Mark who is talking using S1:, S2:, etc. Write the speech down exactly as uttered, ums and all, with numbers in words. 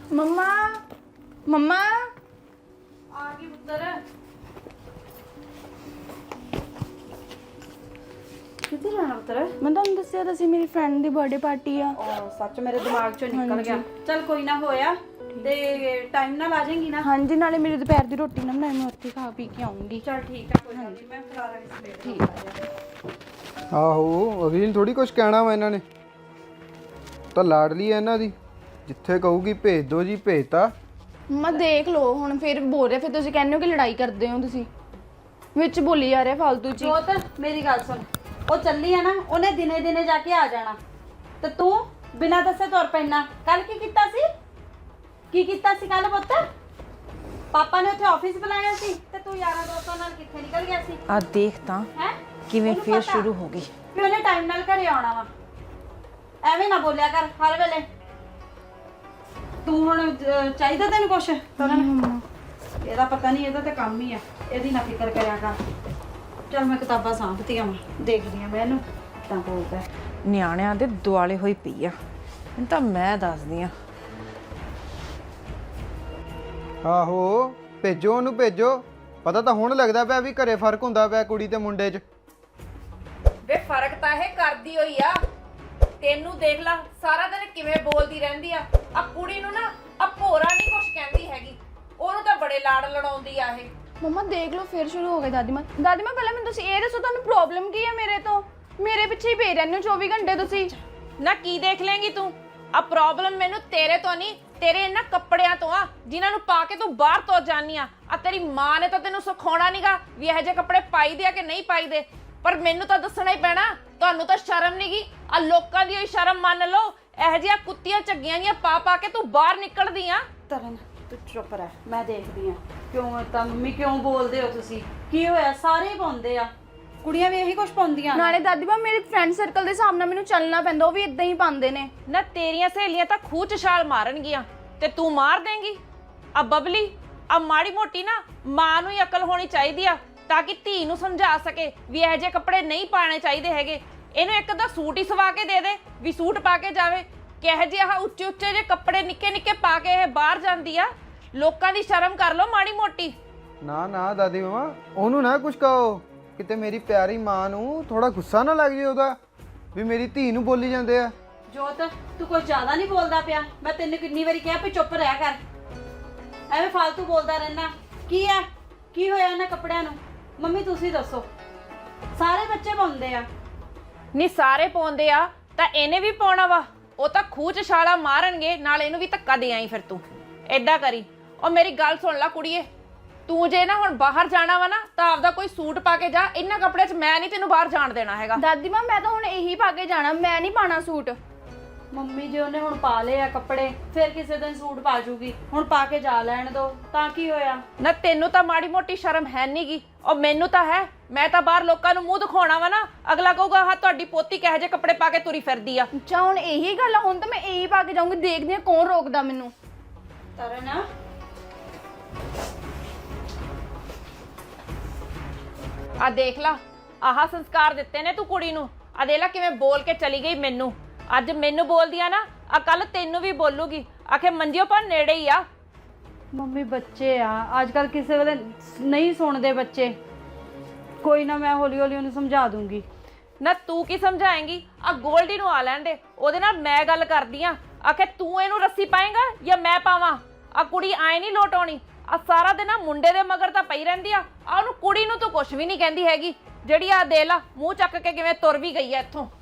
S1: मम्मा मम्मा
S2: आ गई पुत्तर किधर जाना पुत्तर?
S1: मैं तुहानू दस्सिया तां सी मेरी फ्रेंड दी बर्थडे पार्टी आ।
S2: ओ सच मेरे दिमाग चों निकल
S1: हाँ
S2: गया। चल कोई ना होया ते टाइम नाल आ जाएंगी ना?
S1: हाँ जी, नाले मेरी दोपहर दी रोटी ना मैं उत्थे खा पी के आऊंगी।
S2: चल ठीक है, कोई गल नहीं, मैं खिला रही सवेरे
S1: ठीक है।
S3: ਆਹੋ ਅਗਲੀ ਨੂੰ ਥੋੜੀ ਕੁਝ ਕਹਿਣਾ ਵਾ ਇਹਨਾਂ ਨੇ, ਤਾਂ ਲਾਡਲੀ ਹੈ ਇਹਨਾਂ ਦੀ, ਜਿੱਥੇ ਕਹੂਗੀ ਭੇਜ ਦੋ ਜੀ ਭੇਜਤਾ।
S1: मम्मा देख लो हुण फिर बोल रहे, फिर तुसीं कहंदे हो कि लड़ाई करदे हो, तुसीं विच बोली जा रहे फालतू ची।
S2: जोत मेरी गल सुन, ਉਹ ਚੱਲੀ ਆ ਨਾ, ਉਹਨੇ ਦਿਨੇ ਦਿਨੇ ਜਾ ਕੇ ਆ ਜਾਣਾ ਤੇ ਤੂੰ ਬਿਨਾਂ ਦੱਸੇ ਤੁਰ ਪੈਣਾ। ਕੱਲ ਕੀ ਕੀਤਾ ਸੀ ਕੀ ਕੀਤਾ ਸੀ ਕੱਲ ਪੁੱਤ? ਪਾਪਾ ਨੇ ਉੱਥੇ ਆਫਿਸ ਬੁਲਾਇਆ ਸੀ ਤੇ ਤੂੰ ਯਾਰਾਂ ਦੋਸਤਾਂ ਨਾਲ ਕਿੱਥੇ ਨਿਕਲ ਗਿਆ ਸੀ?
S4: ਆ ਦੇਖ ਤਾਂ
S2: ਹੈ
S4: ਕਿਵੇਂ ਫੇਰ ਸ਼ੁਰੂ ਹੋ ਗਈ।
S2: ਵੀ ਉਹਨੇ ਟਾਈਮ ਨਾਲ ਘਰੇ ਆਉਣਾ ਵਾ, ਐਵੇਂ ਨਾ ਬੋਲਿਆ ਕਰ ਹਰ ਵੇਲੇ। ਤੂੰ ਹੁਣ ਅਹ, ਚਾਹੀਦਾ ਤੈਨੂੰ ਕੁਛ ਕਰਨ? ਇਹਦਾ ਪਤਾ ਨਹੀਂ, ਇਹਦਾ ਤਾਂ ਕੰਮ ਹੀ ਆ, ਇਹਦੀ ਨਾ ਫਿਕਰ ਕਰਿਆ ਕਰ। ਚਲ ਮੈਂ ਕਿਤਾਬਾਂ ਸਾਂਭਤੀਆਂ ਵਾ, ਦੇਖਦੀ ਆ ਮੈਂ ਇਹਨੂੰ ਤਾਂ ਬੋਲਦਾ।
S4: ਨਿਆਣਿਆਂ ਦੇ ਦੁਆਲੇ ਹੋਈ ਪਈ ਆ, ਹੁਣ ਤਾਂ ਮੈਂ ਦੱਸਦੀ ਆ।
S3: ਆਹੋ ਭੇਜੋ ਉਹਨੂੰ ਭੇਜੋ, ਪਤਾ ਤਾਂ ਹੁਣ ਲੱਗਦਾ ਪਿਆ ਵੀ ਘਰੇ ਫਰਕ ਹੁੰਦਾ ਪਿਆ ਕੁੜੀ ਤੇ ਮੁੰਡੇ 'ਚ।
S5: ਵੇ ਫਰਕ ਤਾਂ ਇਹ ਕਰਦੀ ਹੋਈ ਆ। ਤੈਨੂੰ ਦੇਖ ਲਾ ਸਾਰਾ ਦਿਨ ਕਿਵੇਂ ਬੋਲਦੀ ਰਹਿੰਦੀ ਆ। ਆ ਕੁੜੀ ਨੂੰ ਨਾ ਆ ਭੋਰਾ ਨਹੀਂ ਕੁਛ ਕਹਿੰਦੀ ਹੈਗੀ, ਉਹਨੂੰ ਤਾਂ ਬੜੇ ਲਾੜ ਲੜਾਉਂਦੀ ਆ ਇਹ।
S1: मम्मा देख लो फिर शुरू हो गए दादी मां। दादी मां पहले मैं तुसीं ये दसो तुहानू प्रॉब्लम की है मेरे तो? मेरे पीछे ही पे रहंदे हो चौबी घंटे तुसीं।
S5: ਨਾ ਕੀ ਦੇਖ ਲੇਂਗੀ ਤੂੰ? ਆ ਪ੍ਰੋਬਲਮ ਮੈਨੂੰ ਤੇਰੇ ਤੋਂ ਨਹੀਂ, ਤੇਰੇ ਇਹਨਾਂ ਕੱਪੜਿਆਂ ਤੋਂ ਆ ਜਿਨ੍ਹਾਂ ਨੂੰ ਪਾ ਕੇ ਤੂੰ ਬਾਹਰ ਤੋਂ ਜਾਨੀ ਆ। ਆ ਤੇਰੀ ਮਾਂ ਨੇ ਤਾਂ ਤੈਨੂੰ ਸਿਖਾਉਣਾ ਨਹੀਂਗਾ ਵੀ ਇਹੋ ਜਿਹੇ ਕੱਪੜੇ ਪਾਈਦੇ ਆ ਕਿ ਨਹੀਂ ਪਾਈਦੇ, ਪਰ ਮੈਨੂੰ ਤਾਂ ਦੱਸਣਾ ਹੀ ਪੈਣਾ। ਤੁਹਾਨੂੰ ਤਾਂ ਸ਼ਰਮ ਨਹੀਂਗੀ, ਆ ਲੋਕਾਂ ਦੀ ਹੋਈ ਸ਼ਰਮ ਮੰਨ ਲਓ। ਇਹੋ ਜਿਹੀਆਂ ਕੁੱਤੀਆਂ ਝੱਗੀਆਂ ਦੀਆਂ ਪਾ ਪਾ ਕੇ ਤੂੰ ਬਾਹਰ ਨਿਕਲਦੀ ਆ।
S2: ਤਰਨ ਤੂੰ ਚੁੱਪ ਰਹਿ, ਮੈਂ ਦੇਖਦੀ ਆ। ਕਿਉਂ ਤਾਂ ਮੰਮੀ ਕਿਉਂ ਬੋਲਦੇ ਹੋ ਤੁਸੀਂ? ਕੀ ਹੋਇਆ? ਸਾਰੇ ਹੀ ਪਾਉਂਦੇ ਆ, ਕੁੜੀਆਂ ਵੀ ਇਹੀ ਕੁਝ ਪਾਉਂਦੀਆਂ।
S1: ਨਾਲੇ ਦਾਦੀ ਮਾਂ ਮੇਰੇ ਫਰੈਂਡ ਸਰਕਲ ਦੇ ਹਿਸਾਬ ਨਾਲ ਮੈਨੂੰ ਚੱਲਣਾ ਪੈਂਦਾ, ਉਹ ਵੀ ਇਦਾਂ ਹੀ ਪਾਉਂਦੇ ਨੇ।
S5: ਨਾ ਤੇਰੀਆਂ ਸਹੇਲੀਆਂ ਤਾਂ ਖੂਹ ਚ ਛਾਲ ਮਾਰਨਗੀਆਂ ਤੇ ਤੂੰ ਮਾਰ ਦੇਂਗੀ। ਆ ਬਬਲੀ ਆ ਮਾੜੀ ਮੋਟੀ ਨਾ ਮਾਂ ਨੂੰ ਹੀ ਅਕਲ ਹੋਣੀ ਚਾਹੀਦੀ ਆ, ਤਾਂ ਕਿ ਧੀ ਨੂੰ ਸਮਝਾ ਸਕੇ ਵੀ ਇਹੋ ਜਿਹੇ ਕੱਪੜੇ ਨਹੀਂ ਪਾਣੇ ਚਾਹੀਦੇ ਹੈਗੇ। ਇਹਨੂੰ ਇੱਕ ਦਾ ਸੂਟ ਹੀ ਸਵਾ ਕੇ ਦੇ ਦੇ ਵੀ ਸੂਟ ਪਾ ਕੇ ਜਾਵੇ। ਕਿਹੋ ਜਿਹੇ ਆਹ ਉੱਚੇ ਉੱਚੇ ਜਿਹੇ ਕੱਪੜੇ ਨਿੱਕੇ ਨਿੱਕੇ ਪਾ ਕੇ ਇਹ ਬਾਹਰ ਜਾਂਦੀ ਆ। ਲੋਕਾਂ ਦੀ ਸ਼ਰਮ ਕਰ ਲਓ ਮਾੜੀ ਮੋਟੀ।
S3: ਨਾ ਨਾ ਦਾਦੀ ਮਾਮਾ ਉਹਨੂੰ ਨਾ ਕੁਝ ਕਹੋ, ਕਿਤੇ ਮੇਰੀ ਪਿਆਰੀ ਮਾਂ ਨੂੰ ਥੋੜਾ ਗੁੱਸਾ ਨਾ ਲੱਗ ਜੇ ਉਹਦਾ ਵੀ ਮੇਰੀ ਧੀ ਨੂੰ ਬੋਲੀ ਜਾਂਦੇ ਆ।
S2: ਜੋਤ ਤੂੰ ਕੁਝ ਜ਼ਿਆਦਾ ਨਹੀਂ ਬੋਲਦਾ ਪਿਆ? ਮੈਂ ਤੈਨੂੰ ਕਿੰਨੀ ਵਾਰੀ ਕਿਹਾ ਵੀ ਚੁੱਪ ਰਹਿ ਕਰ, ਐਵੇਂ ਫालतू ਬੋਲਦਾ ਰਹਿਣਾ। ਕੀ ਹੈ ਕੀ ਹੋਇਆ ਇਹਨਾਂ ਕੱਪੜਿਆਂ ਨੂੰ? ਮੰਮੀ ਤੁਸੀਂ ਦੱਸੋ, ਸਾਰੇ ਬੱਚੇ ਪਾਉਂਦੇ ਆ।
S5: ਨਹੀਂ ਸਾਰੇ ਪਾਉਂਦੇ ਆ ਤਾਂ ਇਹਨੇ ਵੀ ਪਾਉਣਾ ਵਾ। ਉਹ ਤਾਂ ਖੂਹ ਚ ਛਾਲਾ ਮਾਰਨਗੇ, ਨਾਲ ਇਹਨੂੰ ਵੀ ਧੱਕਾ ਦੇ ਆਈ। ਫਿਰ ਤੂੰ ਏਦਾਂ ਕਰੀ, ਉਹ ਮੇਰੀ ਗੱਲ ਸੁਣ ਲੈ ਕੁੜੀਏ, ਤੂੰ ਜੇ ਨਾ ਹੁਣ ਬਾਹਰ ਜਾਣਾ ਵਾ ਨਾ ਤਾਂ ਆਪਦਾ ਕੋਈ ਸੂਟ ਪਾ ਕੇ ਜਾ। ਇਹਨਾਂ ਕੱਪੜਿਆਂ 'ਚ ਮੈਂ ਨਹੀਂ ਤੈਨੂੰ ਬਾਹਰ ਜਾਣ ਦੇਣਾ ਹੈਗਾ।
S1: ਦਾਦੀ ਮਾਂ ਮੈਂ ਤਾਂ ਹੁਣ ਇਹੀ ਪਾ ਕੇ ਜਾਣਾ, ਮੈਂ ਨਹੀਂ ਪਾਣਾ ਸੂਟ।
S2: ਮੰਮੀ ਜੀ ਉਹਨੇ ਹੁਣ ਪਾ ਲਏ ਆ ਕੱਪੜੇ, ਫਿਰ ਕਿਸੇ ਦਿਨ ਸੂਟ ਪਾ ਜੂਗੀ। ਹੁਣ ਪਾ ਕੇ ਜਾ ਲੈਣ ਦੋ, ਤਾਂ ਕੀ ਹੋਇਆ?
S5: ਨਾ ਤੈਨੂੰ ਤਾਂ ਮਾੜੀ ਮੋਟੀ ਸ਼ਰਮ ਹੈ ਨਹੀਂਗੀ, ਉਹ ਮੈਨੂੰ ਤਾਂ ਹੈ। ਮੈਂ ਤਾਂ ਬਾਹਰ ਲੋਕਾਂ ਨੂੰ ਮੂੰਹ ਦਿਖਾਉਣਾ ਵਾ ਨਾ, ਅਗਲਾ ਕਹੂਗਾ ਹਾਂ ਤੁਹਾਡੀ ਪੋਤੀ ਕਿਹੋ ਜਿਹੇ ਕੱਪੜੇ ਪਾ ਕੇ ਤੁਰੀ ਫਿਰਦੀ ਆ।
S1: ਅੱਛਾ ਹੁਣ ਇਹੀ ਗੱਲ ਆ, ਹੁਣ ਤਾਂ ਮੈਂ ਇਹੀ ਪਾ ਕੇ ਜਾਊਂਗੀ, ਦੇਖਦੀ ਹਾਂ ਕੌਣ ਰੋਕਦਾ ਮੈਨੂੰ।
S2: ਤਰਨ
S5: ਆ ਦੇਖ ਲਾ, ਆਹ ਸੰਸਕਾਰ ਦਿੱਤੇ ਨੇ ਤੂੰ ਕੁੜੀ ਨੂੰ। ਆ ਦੇਖ ਲਾ ਕਿਵੇਂ ਬੋਲ ਕੇ ਚਲੀ ਗਈ ਮੈਨੂੰ। ਅੱਜ ਮੈਨੂੰ ਬੋਲਦੀ ਆ ਨਾ, ਆ ਕੱਲ ਤੈਨੂੰ ਵੀ ਬੋਲੂਗੀ। ਆਖੇ ਮੰਜਿਓ ਪਰ ਨੇੜੇ ਹੀ ਆ।
S2: ਮੰਮੀ ਬੱਚੇ ਆ ਅੱਜ ਕੱਲ, ਕਿਸੇ ਵੇਲੇ ਨਹੀਂ ਸੁਣਦੇ ਬੱਚੇ। ਕੋਈ ਨਾ ਮੈਂ ਹੌਲੀ ਹੌਲੀ ਉਹਨੂੰ ਸਮਝਾ ਦੂੰਗੀ।
S5: ਨਾ ਤੂੰ ਕੀ ਸਮਝਾਏਂਗੀ? ਆ ਗੋਲਡੀ ਨੂੰ ਆ ਲੈਣ ਦੇ, ਉਹਦੇ ਨਾਲ ਮੈਂ ਗੱਲ ਕਰਦੀ ਆ। ਆਖੇ ਤੂੰ ਇਹਨੂੰ ਰੱਸੀ ਪਾਏਂਗਾ ਜਾਂ ਮੈਂ ਪਾਵਾਂ? ਆ ਕੁੜੀ ਆਏ ਨਹੀਂ ਲੋਟ ਆਉਣੀ। ਆ ਸਾਰਾ ਦਿਨ ਆ ਮੁੰਡੇ ਦੇ ਮਗਰ ਤਾਂ ਪਈ ਰਹਿੰਦੀ ਆ। ਆ ਉਹਨੂੰ ਕੁੜੀ ਨੂੰ ਤੂੰ ਕੁਛ ਵੀ ਨਹੀਂ ਕਹਿੰਦੀ ਹੈਗੀ, ਜਿਹੜੀ ਆ ਦੇ ਲਾ ਮੂੰਹ ਚੱਕ ਕੇ ਕਿਵੇਂ ਤੁਰ ਵੀ ਗਈ ਆ ਇੱਥੋਂ।